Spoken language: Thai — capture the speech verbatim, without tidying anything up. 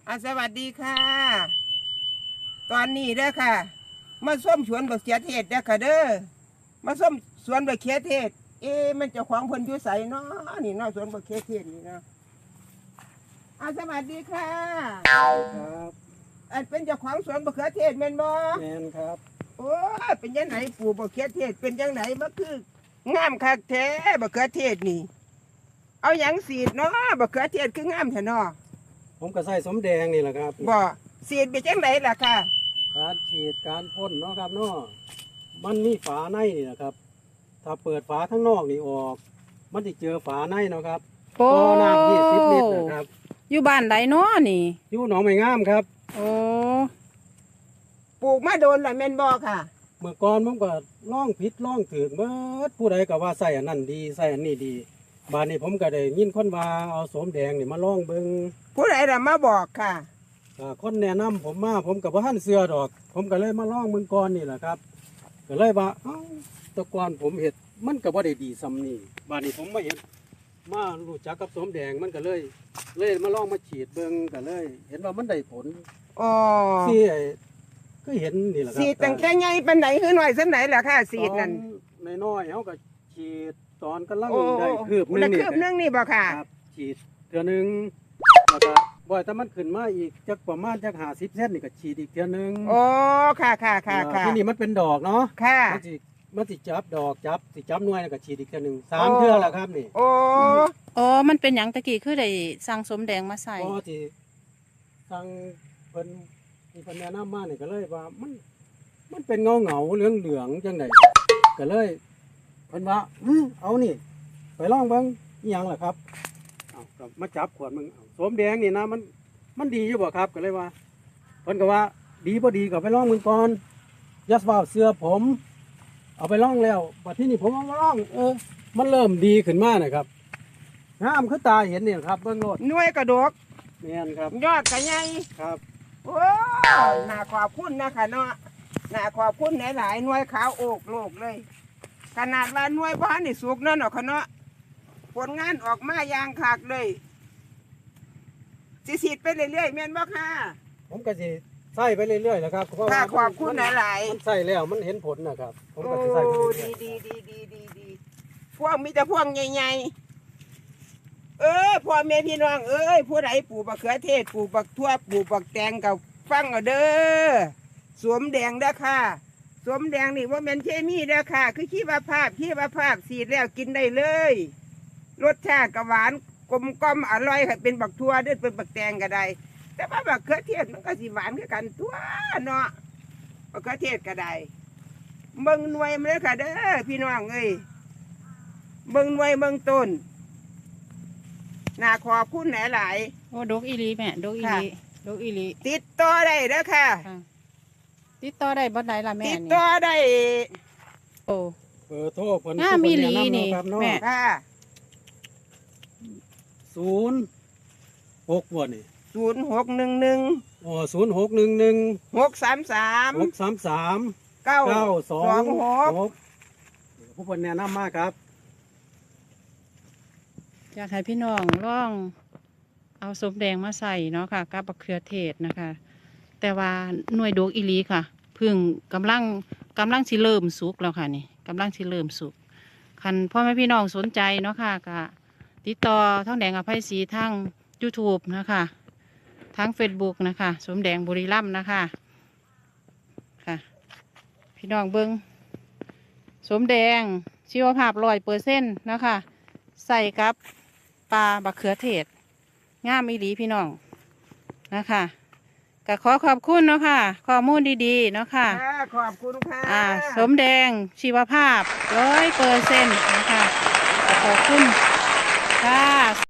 อ่ะสวัสดีค่ะ ตอนนี้เด้อค่ะ มาส้มสวนบักเขือเทศเด้อค่ะเด้อมาส้มสวนบักเขือเทศ เอ๊ะมันเจะของเพิ่นอยู่ไสเนาะนี่เนาะสวนบักเขือเทศนี่เนาะอ่ะสวัสดีค่ะครับอันเป็นเจ้าของสวนบักเขือเทศแม่นบ่แมนครับโอ้ยเป็นยังไงปลูกบักเขือเทศเป็นยังไงมันคืองามคักแท้บักเขือเทศนี่ เอาหยังสีดเนาะบักเขือเทศคืองามแท้เนาะผมก็ใส่สมแดงนี่แหละครับบ่สีดเป็นจังไดล่ะค่ะการฉีดการพ่นเนาะครับเนาะมันมีฝาในนี่นะครับ ถ้าเปิดฝาทั้งนอกนี่ออก มันจะเจอฝาในเนาะครับโอ้ต่อน้ำยี่สิบลิตรนะครับอยู่บ้านใดเนาะนี่อยู่หนองไม้งามครับโอ้ปลูกมาโดนละแม่นบ่ค่ะเมื่อก่อนผมก็ล่องผิดล่องถึงเมื่อผู้ใดก็ว่าใส่อันนั้นดีใส่อันนี้ดีบานนี้ผมก็ได้ยินคนว่าเอาสมแดงนี่มาล่องเบิงผู้ใดล่ะมาบอกค่ะอ่าคนแนะนำผมมาผมกับว่าท่านเสือดอก ผมก็เลยมาล่องเมืองก่อนนี่แหละครับก็เลยว่าเอ้าแตะกอนผมเห็ดมันก็บ่ได้ดีซ้ำนี่บานนี้ผมมาเห็นมารู้จักกับสมแดงมันก็เลย เลยมาล่องมาฉีดเบิงก็เลย เห็นว่ามันได้ผลอ๋อที่ไอ้ก็เห็นนี่แหละครับสีดตั้งแค่ไงปานไหนคือหน่อยสักไหนล่ะค่ะสีดนั่นตอนน้อยๆเขาก็ฉีดตอนกำลังโอ้ได้คืบหนึได้งนี่คืบนึงนี่บ่ค่ะครับฉีดเทือหนึงแล้วก็บ่อยแต่มันขึ้นมาอีกจักประมาณจักหาสิบเซนนี่ก็ฉีดอีกเทือหนึงโอ้ค่ะค่ะค่ะค่ะที่นี่มันเป็นดอกเนาะค่ะมันสิมันสิจับดอกจับสิจับหน่วยแล้วก็ฉีดอีกเทือหนึงสามเทือแล้วครับนี่โอ้อ๋อมันเป็นหยังตะกี้คือได้สั่งสมแดงมาใส่พอที่สั่งเพิ่นที่เพิ่นแนะนำมานี่ก็เลยว่ามันมันเป็นเงาเงาๆเหลืองเหลืองๆจังไดก็เลยเพิ่นว่าอื้อเอานี่ ไปลองเบิ่งอีหยังล่ะครับเอาก็มาจับขวดมึงเอาสมแดงนี่นะมันมันดีอยู่บ่ครับก็เลยว่าเพิ่นก็ว่าดีบ่ดีก็ไปลองมึงก่อนอย่าว่าเสื้อผม เอาไปลองแล้วบัดที่นี่ผมเอามาลอง เออ มันเริ่มดีขึ้นมานะครับงามคือตาเห็นนี่ครับเบิ่งโลดหน่วยกระดกแม่นครับยอดกระใหญ่ครับโอ้น่าขอบคุณนะคะเนาะน่าขอบคุณหลายๆหน่วยขาวโอกโลกเลย ขนาดว่าหน่วยบ้านนี่สุกนั่นเนาะค่ะเนาะผลงานออกมาอย่างคักเลยสิสีดไปเรื่อยๆแม่นบ่ค่ะผมก็สิใส่ไปเรื่อยๆนะครับเพราะค่ะว่าขอบคุณหลายมันใส่แล้วมันเห็นผลนะครับ ผๆมโอ้ก็สิใส่ไปเรื่ดีอยดีดีดีดีดีพวกมีแต่พวกใหญ่ๆเออพ่อแม่พี่น้องเอ้ยผู้ใดปลูกบักเขือเทศปลูกบักทั่วปลูกบักแตงกับฟังเอาเด้อสวมแดงเด้อค่ะ สวมแดงนี่ว่าแม่นเคมีเด้อค่ะ คือขี้วาภาพขี้วาภาพสีดแล้วกินได้เลย รสชาติก็หวานกลมกล่อมอร่อยค่ะเป็นบักทั่วเด้อเป็นบักแตงก็ได้ แต่ว่าบักเขือเทศมันก็สิหวานคือกันตัวเนาะบักเขือเทศก็ได้เบิ่งหน่วยมันเลยค่ะเด้อพี่น้องเอ้ยเบิ่งหน่วยเบิ่งต้นน่าขอบคุณหลายโอ้ดกอีหลีแม่ดกอีหลีดกอีหลีๆติดต่อได้เด้อค่ะค่ะติดต่อได้บ่ได้ล่ะแม่ติดนี่ต่อได้โอ้ๆเบอร์โทรเพิ่นงามอีหลีเพิ่แะำนี่เาะครับเนาะแม่ค่ะศูนย์หกบ่นี่ศูนย์หกหนึ่งหนึ่งอ๋อศูนย์หกหนึ่งหนึ่งหกสามสามหกสามสามเก้าเก้าสสออง งหกหกผู้เพิ่นแนะนำมาครับอยากให้พี่น้องลองเอาสมแดงมาใส่เนาะค่ะกับบักเขือเทศนะคะ แต่ว่าหน่วยดกอีหลีค่ะเพึ่งกำลังกำลังสิเริ่มสุกแล้วค่ะนี่กำลังสิเริ่มสุกคันพ่อแม่พี่น้องสนใจเนาะค่ะก็ติดต่อท่องแดงอภัยศรีทาง YouTube นะคะทาง Facebook นะคะสมแดงบุรีรัมย์นะคะค่ะ พี่น้องเบิงสมแดงชีวภาพร้อยเปอร์เซ็นต์นะคะใส่กับปลาบักเขือเทศงามอีหลีพี่น้องนะคะก็ขอขอบคุณเนาะค่ะข้อมูลดีๆเนาะค่ะค่ะขอบคุณค่ะอ่าสมแดงชีวภาพร้อยเปอร์เซ็นต์นะคะขอบคุณค่ะ